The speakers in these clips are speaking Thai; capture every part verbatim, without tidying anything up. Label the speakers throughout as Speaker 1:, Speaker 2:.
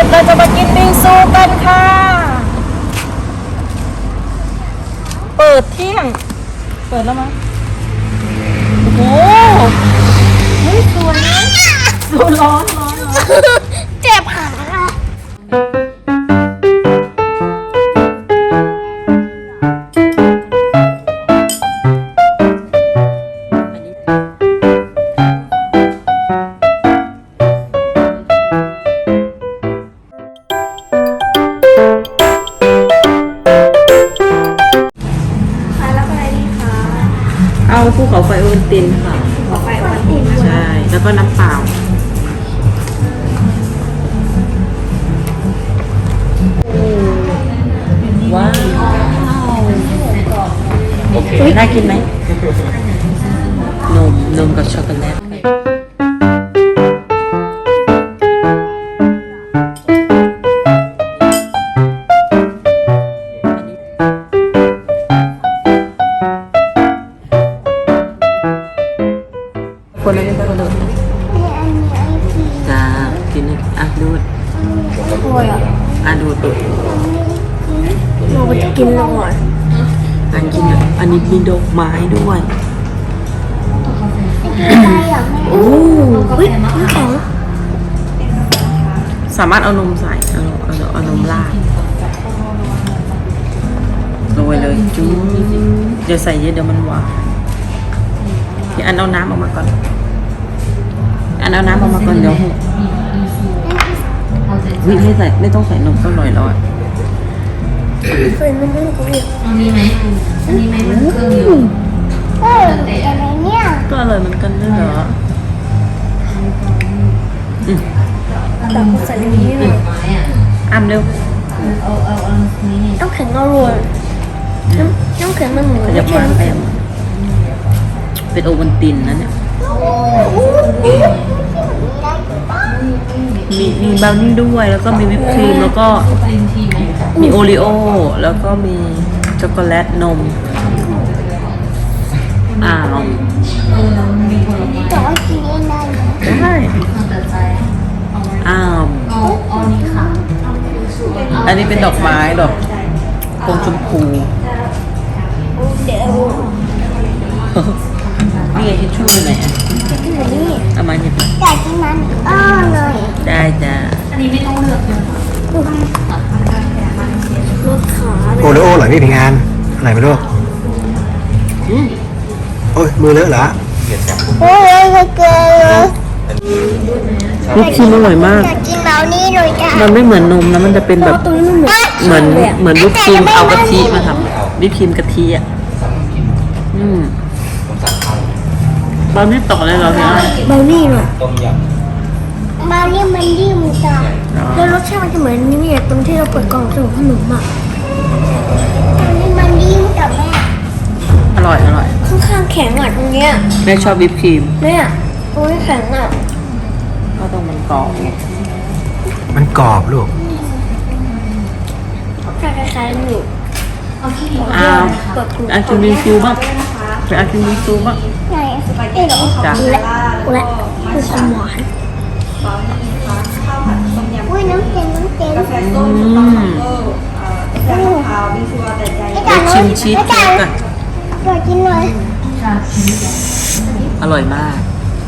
Speaker 1: เราจะมากินบิงซูกันค่ะ เปิดเที่ยง เปิดแล้วมั้ยโอ้โหเฮ้ยสวยนะสวยร้อนร้อนร้อน
Speaker 2: เจ็บขาอะ
Speaker 1: เอาภูเขาไฟโอวัลตินค่ะ
Speaker 2: ภูเขาไฟโอวัลติน
Speaker 1: ใช่ แล้วก็น้ำเปล่าว้าวโอเคน่ากินไหมนมนมกับช็อกโกแลตคนละนิดคนละนิดจ้ากินอ่ะดูด
Speaker 2: โอ้ยอ่ะ
Speaker 1: อ่ะดูดดูด
Speaker 2: เราไปกินแล้วก่อน
Speaker 1: อันกินอันนี้มีดอกไม้ด้วยโอ้เฮ้ยน้ำแข็งสามารถเอานมใส่เอาเอาเอานมราดโรยเลยจุ๊บเดี๋ยวใส่เยอะเดี๋ยวมันหวานพี่อันเอาน้ำออกมาก่อนอันเอาน้ำออกมาก่อนเดี๋ยววิไม่ใส่ไม่ต้องใส่นมก็อร่อยแล้วอ่ะ
Speaker 2: เคยมันไม่รู้เรื่อง
Speaker 3: อันนี้ไหมอันนี้ไหมมันเครื่องอยู่
Speaker 2: เอออะไรเนี่ย
Speaker 1: ก็อร่อยเหมือนกันด้วยเหรออืม
Speaker 2: แต่ก็ใส่ในนี้เลย
Speaker 3: ไม้อ่ะ
Speaker 1: อ้ำเร็ว
Speaker 3: เอาเอาเอานี้นี่
Speaker 2: ต้องแข็งอร่อยน้ำน้ำแข็งมันเหมือน
Speaker 1: ขยับมาไปเป็นโอวัลตินนะเนี่ยมีมีบราวนี่ด้วยแล้วก็มีวิปครีมแล้วก็
Speaker 3: ปรินทีไหม
Speaker 1: มีโอรีโอแล้วก็มีช็อกโกแลตนมอ้าว
Speaker 3: เออมีผลไม้
Speaker 2: แต่ว่ากินเองได้
Speaker 1: ใช่
Speaker 3: ตั้งแต่ใจ
Speaker 1: อ้าว
Speaker 3: เอาเอานี้ค่ะ
Speaker 1: อันนี้เป็นดอกไม้ดอกพวงชมพู
Speaker 2: เดี๋ยว
Speaker 1: นี่ไงทิชชู่อยู่ไหนอะ
Speaker 2: กินแบบนี้
Speaker 1: เอามาหยิบมา
Speaker 2: อยากกินมันอ้อหน่อย
Speaker 1: ได้จ้า
Speaker 3: อันนี้ไม่ต้องเลือกเลย
Speaker 2: รสขา
Speaker 4: โอเลโอเหรอพี่พิงานอะไรไม่รู้
Speaker 1: อืม
Speaker 4: โอ้ยมือเลอะเหรอ
Speaker 2: โอ้ยไม่เกิน
Speaker 1: วิปครีมอร่อยมาก
Speaker 2: อยากกินเรานี่เลยจ้ะ
Speaker 1: มันไม่เหมือนนมนะมันจะเป็นแบบ
Speaker 2: ตรงนี้มันเหมือน
Speaker 1: เหมือนเหมือนวิปครีมเอากะทิมาทำวิปครีมกะทิอ่ะอืมบราวนี่ตกเลยเหรอพี่อ้อย
Speaker 2: เบลนี่หน่อยเบลนี่มันยิ่มจ้ะแล้วรสชาติมันจะเหมือนนี่เนี่ยตรงที่เราเปิดกล่องส่งขนมอ่ะตรงนี้มันยิ่มกับแม่
Speaker 1: อร่อยอร่อย
Speaker 2: ข้างๆแข็งอ่ะตรงเนี้ย
Speaker 1: แม่ชอบวิปครีม
Speaker 2: แม่ตรงนี้แข็งอ่ะ
Speaker 1: ก็ต้องมันกรอบไง
Speaker 4: มันกรอบลูก
Speaker 2: คล้ายๆอยู่
Speaker 1: อ้าว
Speaker 2: เปิดกลุ่ม
Speaker 1: อากินวิงซูบ้างไปอากินวิงซูบ้าง
Speaker 2: ไงเอ๊ะเหรอ
Speaker 1: จ้ะ
Speaker 2: และและคือความหวานอุ้ยน้ำเต็มน้ำเต็ม
Speaker 1: อืม
Speaker 2: ไอ้
Speaker 1: เดี๋ยวชิมชีสเค้กก่อน
Speaker 2: อยากกินหน่อย
Speaker 1: อร่อยมาก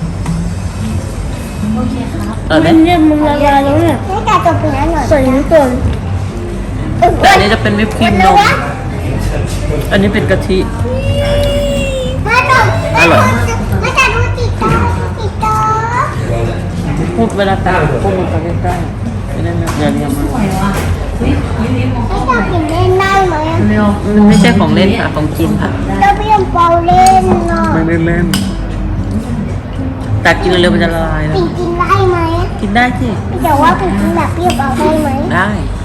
Speaker 1: เออไหม
Speaker 2: มันเริ่มมันละลายแล้วเนี่ยไม่กล้าจะไปไหนหน่อยใส่น้ำเกลือ
Speaker 1: แต่อันนี้จะเป็นวิปครีมนมอันนี้เป็นกะทิ
Speaker 2: มาดมมาจะดูติดตาติดตา
Speaker 1: พูดเวลาตาพูดมันไปใกล้ๆไม่ได้ไม่อย่าเรียกมัน
Speaker 3: ไหวว่ะเฮ้ยยูนิมอง
Speaker 2: ไม่จะกินเล่นได้ไหม
Speaker 1: เร็วมันไม่ใช่ของเล่นค่ะของกินค่ะ
Speaker 2: เราเปลี่ยนเปาเล่นเนาะ
Speaker 1: ไม่ได้เล่นแต่กินเร็วๆมันจะละลายนะ
Speaker 2: ปิ่นกินได้ไหม
Speaker 1: กินได้สิ
Speaker 2: แต่ว่าปิ่นกินแบบเปรี้ยวเปาได้ไหม
Speaker 1: ได้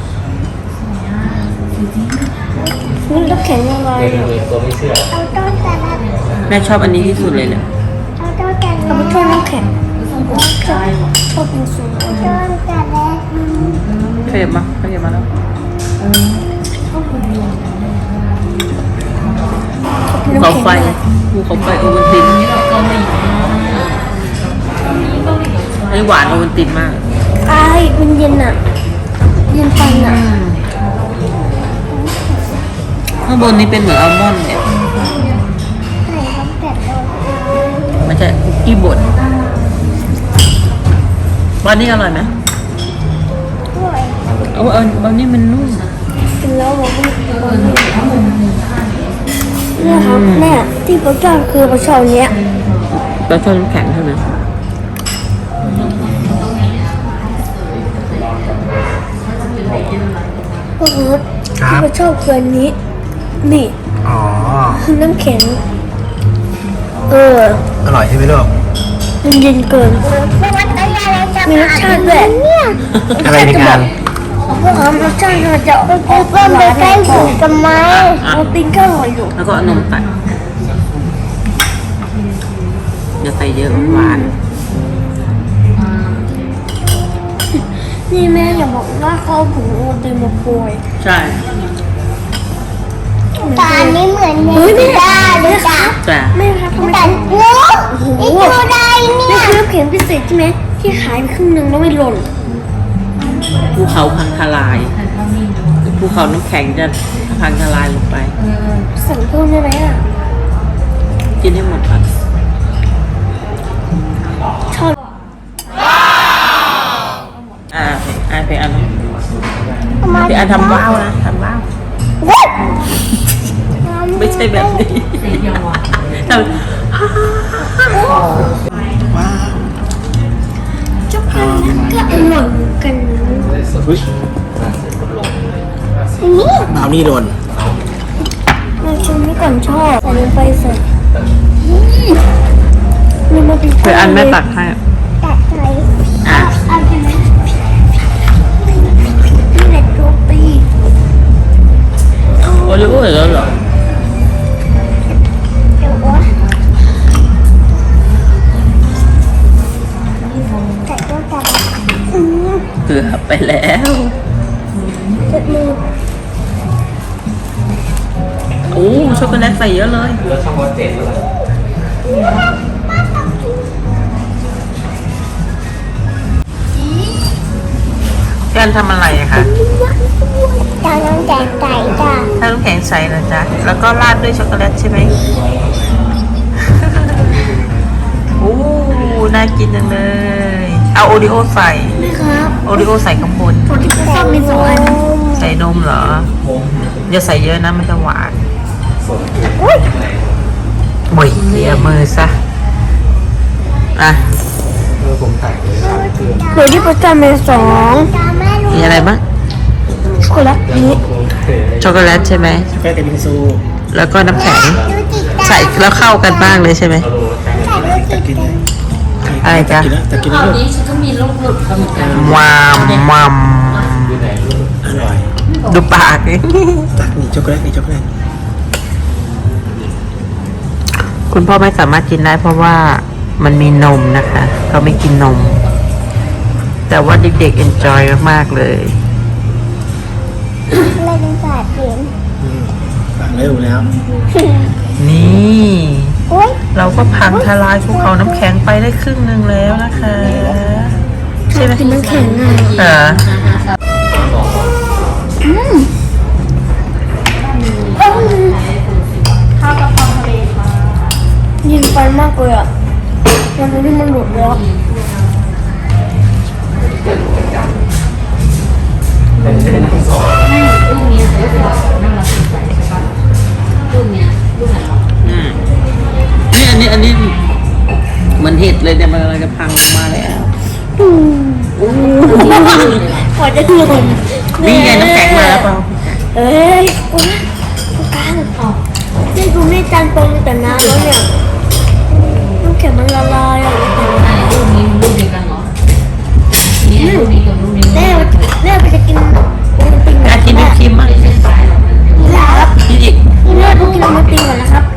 Speaker 2: นี่ก็แข็งยังไงเอาต้นแต่ละ
Speaker 1: แม่ชอบอันนี้ที่สุดเลยเนี่ย
Speaker 2: เอาต้นแต่ละเอาไปช่วยน้ำแข็งชอบชอบกินสูงต้นแต่ละ
Speaker 1: ขยับมาขยับมาแล้วภูเขาไฟภูเขาไฟโอวัลติน
Speaker 3: เกาหลี
Speaker 1: อันนี้หวานโอวัลตินมาก
Speaker 2: ไอ้มันเย็นอ่ะเย็นฟันอ่ะ
Speaker 1: ข้างบนนี้เป็นเหมือนอัลมอนด์เนี่ย
Speaker 2: ไหนครับแบบโดน
Speaker 1: มันจะคุกกี้บดวันนี้อร่อยไหม
Speaker 2: ด้วย
Speaker 1: เอาเอาเอานี่มันนุ่ม
Speaker 2: กินแล้วบอกว่าเนี่ยครับเนี่ยที่ประจอนคือประชอนเนี้ย
Speaker 1: ปลาช่อนน้ำแข็งใช่ไหม
Speaker 2: ก็คือ
Speaker 4: ครั
Speaker 2: ที่
Speaker 4: บ
Speaker 2: ประชอบคืออันนี้ นี่
Speaker 4: อ๋อ
Speaker 2: น้ำแข็ง เออ
Speaker 4: อร่อยใช่ไหมลูก
Speaker 2: มันเย็นเกินมีรสชาติด้วย
Speaker 4: อะไรในงาน
Speaker 2: พวกเขารสชาติมันจะออกหวานใกล้ถึงกันไหมเราติ้งก็อร่อยอยู่
Speaker 1: แล้วก็เอานมตัดอย่าใส่เยอะหวาน
Speaker 2: นี่แม่อย่าบอกว่าเขาเอาผงโอตินมาโปรย
Speaker 1: ใช่
Speaker 2: ตานี้เหมือนเฮ้ยแม่เลยจ้ะ
Speaker 1: แต่
Speaker 2: แม่ครับทำไมแต่โอ้โหนี่คืออะไรเนี่ยนี่คือน้ำแข็งพิเศษใช่ไหมที่ขายไปครึ่งหนึงแล้วไม่หล่น
Speaker 1: ภูเขาพังทลายภูเขาน้ำแข็งจะพังทลายลงไป
Speaker 2: สั่งเพิ่มได้ไหมอ่ะ
Speaker 1: กินให้หมดก่อน
Speaker 2: ชอบ
Speaker 1: อ่าอ่าไปอันไปอันทำว้าวนะทำว้าว
Speaker 2: ว้าว
Speaker 1: ไม่ใช่แบบนี้
Speaker 3: สีเขียวหวาน
Speaker 1: ทำ
Speaker 4: ว้าว
Speaker 2: ช็อกโกแลตก็อร่อยเหมือนกันนะ
Speaker 4: อุ๊ย
Speaker 2: นี่
Speaker 4: บราวนี่โดน
Speaker 2: เราชิมนี่ก่อนชอบใส่ลงไปใส่นี่มาเป็น
Speaker 1: ไปอันแม่ตักให้
Speaker 2: ตัดใส่
Speaker 1: อ่ะ
Speaker 2: เอาไปไหมนี่แหละโรตี
Speaker 1: โอริโอ้เหรอเหรอ
Speaker 2: เดี๋ยวว่าใส่ตัวกันอืม
Speaker 1: เกือบไปแล้ว
Speaker 2: เจ็ดมือ
Speaker 1: โอ้ช็อกโกแลตใส่เยอะเลย
Speaker 5: แล้วช่องวัดเจ็ดแล้ว
Speaker 1: แกนทำอะไรอะคะ
Speaker 2: จานน้ำแกงไก่จ้ะ
Speaker 1: ถ้าน้ำแข็งใสนะจ๊ะแล้วก็ราดด้วยช็อกโกแลตใช่ไหม โอ้น่ากินจังเลย เอาโอริโอใส่
Speaker 2: นี่ครับ
Speaker 1: โอริโอใส่ข้างบน
Speaker 2: คนที่ชอบมีสองอัน
Speaker 1: ใส่นมเหรอ อย่าใส่เยอะนะมันจะหวาน
Speaker 2: อุ้ย
Speaker 1: โอ้ยเลียมือซะ อ่ะ
Speaker 5: เออผมถ่ายเลย
Speaker 2: เดี๋ยวที่ประจำเป็นสอง
Speaker 1: มีอะไรบ้าง
Speaker 2: ช็อกโกแลตนี้
Speaker 1: ช็อกโกแลตใช่ไหม
Speaker 4: ช็อกโกแลตกับบิงซู
Speaker 1: แล้วก็น้ำแข็ง ใส่แล้วเข้ากันบ้างเลยใช่ไหม
Speaker 4: ตักกินเลย
Speaker 1: อะไรจ๊ะ
Speaker 4: กินแล้วตักกิน
Speaker 3: ค
Speaker 4: แล้
Speaker 3: ราว ว
Speaker 4: ลูก
Speaker 3: นี้ฉันก็มีลูกหลุดเหมือนกัน
Speaker 1: วามวาม
Speaker 5: อยู่ไหนลูก
Speaker 4: อร่อย
Speaker 1: ดูปาก
Speaker 4: ตักนี่ช็อกโกแลตนี่ช็อกโกแลต
Speaker 1: คุณพ่อไม่สามารถกินได้เพราะว่ามันมีนมนะคะเขาไม่กินนม แต่ว่าเด็กๆ enjoy มากๆเลย
Speaker 2: ไม่เป็นศาสตร์เปลี่ยน
Speaker 4: อืมตักเร็วแล้ว
Speaker 1: นี่
Speaker 2: อุ้ย
Speaker 1: เราก็พังทลายภูเขาน้ำแข็งไปได้ครึ่งหนึ่งแล้วนะคะ ใช่ไหม
Speaker 2: กินน้ำแข็งอ่ะ
Speaker 1: เออ
Speaker 2: อืม
Speaker 3: ข้าวกะเพราทะเลค่ะ
Speaker 2: ยินไปมากเลยอ่ะมันรู้ที่มันหลุดแล้ว
Speaker 3: ไม่ลูกนี้ก็คือแบบน่ารักสดใสใช่ปะลูกเนี้ยลูกไหนวะ
Speaker 1: อืมนี่อันนี้อันนี้เหมือนเห็ดเลยเนี่ยมันกำลังจะพังลงมาแล้ว
Speaker 2: กว่าจะถึง
Speaker 1: นี่ไงน้ำแข็งมาแล้วเปล่า
Speaker 2: เอ้ยโอ้ยตรงกลางนี่ดูไม่จานตรงแต่น้ำแล้วเนี่ยน้ำแข็งมันละลายอ่ะ
Speaker 3: ไหนลูกนี้ลูกเดียวกันเหรอเนี่ยลูกนี้กับลูกนี้
Speaker 2: แม่แม่ไปจะกินโอวัลติน
Speaker 1: อยากกินวิปครีมมั้ง
Speaker 3: ไม่ใช่สายหรอกมันเป็น
Speaker 2: ครับ
Speaker 1: กินอีก
Speaker 2: นี่แม่ไปกินโอวัลตินก่อนนะครับ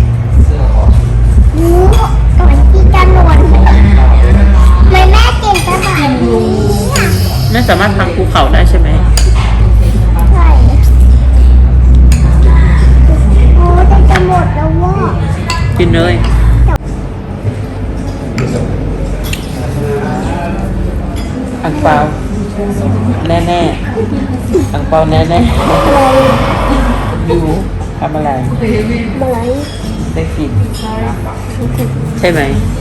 Speaker 2: งูก่อนที่จะนวลไม่แม่กินกระบาดนี้
Speaker 1: ไม่สามารถพังภูเขาได้ใช่ไหม
Speaker 2: ใช่โอ้จะจะหมดแล้วว่า
Speaker 1: กินเลยอังเปล่าแน่แน่ๆอังเปาแน่แน่ๆอยู่ทำอะไร
Speaker 2: อะไร
Speaker 1: ได้กลินใช่ไหม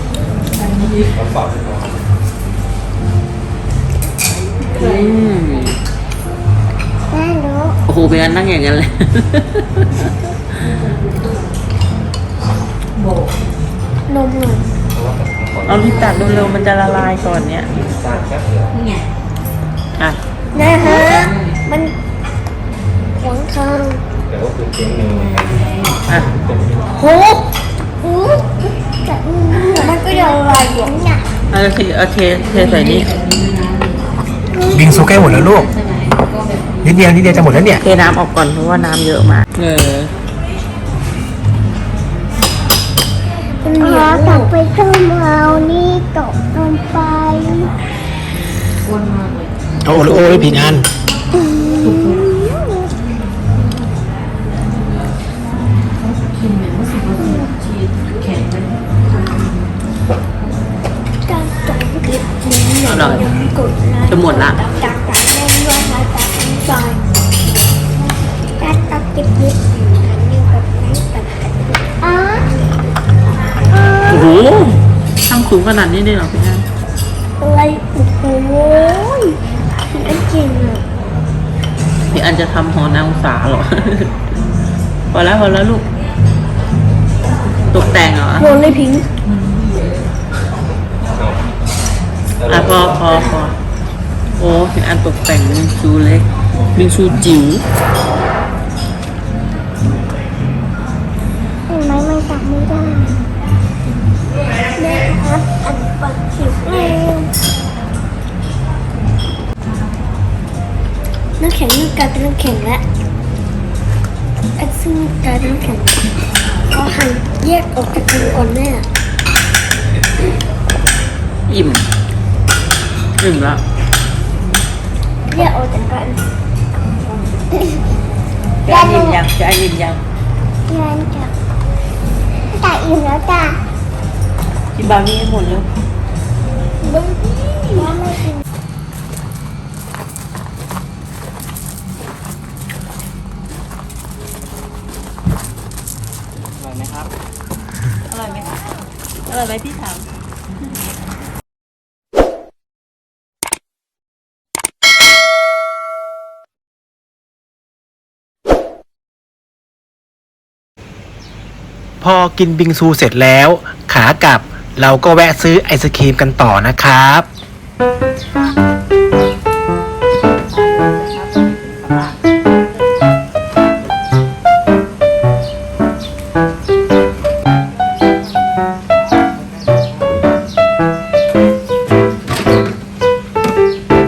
Speaker 1: อืม
Speaker 2: แม่รู้
Speaker 1: โอ้โหเป็นการนั่งอย่างนั้นเลย
Speaker 2: นมหน่อย
Speaker 1: เอาลิ้นตัดเร็วๆมันจะละลายก่อนเนี้ย
Speaker 5: สร้างแป๊บเดียว
Speaker 3: นี่ไง
Speaker 1: อ่ะ
Speaker 2: นะฮะมันขวางทาง
Speaker 5: แต่ว่าคือเจ๊งหนึ่ง
Speaker 1: อ่ะ
Speaker 2: โหโหแต่มันก็ยังลอยอยู่เนี่ย
Speaker 1: เอาเทเอาเทเทใส่นี่
Speaker 4: บิงซูใกล้หมดแล้วลูก
Speaker 3: ใช่ไหมก็แบบ
Speaker 4: นิดเดียวนิดเดียวจะหมดแล้วเนี่ย
Speaker 1: เทน้ำออกก่อนเพราะว่าน้ำเยอะมากเออ
Speaker 2: อ๋อกลับไปต้มเอานี่ตกลงไป
Speaker 3: อ้วนมากเลย
Speaker 4: เอาโอริโอ้ไปผิดอัน
Speaker 3: กินเหมือนว่าสิบนาทีชีสแข็งเลย
Speaker 2: การจบคลิปนี้อย่าลืมกดไลค์
Speaker 1: จะหมดละ
Speaker 2: ตักตักตักเล่นด้วยนะตักน้ำซอยตักตักคลิปนี้อย่าลืมกดไลค์ตักตักอ๋อ
Speaker 1: โอ้โหตั้งสูงขนาดนี้ได้เหรอพี่แอน
Speaker 2: อะไรโอ้โหอันจริงอ่ะ
Speaker 1: พี่อันจะทำหอนางสาเหรอ พอแล้วพอแล้วลูก ตกแต่งเหรอ
Speaker 2: โยนเลยพิงค์
Speaker 1: อ่ะพอพอพอโอ้พี่อันตกแต่งบิงซูเล็กบิงซูจิ๋ว
Speaker 2: เห็นไหมมันตักไม่ได้แม่ครับอันปัดคลิปเลยน้ำแข็งนี่กลายเป็นน้ำแข็งแล้วไอ้ซึ่งกลายเป็นน้ำแข็งเขาหั่นแยกออกจากกันก่อนแม่
Speaker 1: อิ่มอิ่มแล้ว
Speaker 2: แยกออกจากกัน
Speaker 1: จะอิ่มยังจะอิ่มยัง
Speaker 2: งานกับตาอิ่มแล้วจ้า
Speaker 1: กินบะหมี่ให้หมดแล้ว
Speaker 2: บึ้งแม่ไม่กิน
Speaker 1: อร่อยไหมครับ อร่อยไหมครับอร่อยไหมพี่ถาม
Speaker 4: พอกินบิงซูเสร็จแล้ว ขากลับเราก็แวะซื้อไอศครีมกันต่อนะครับ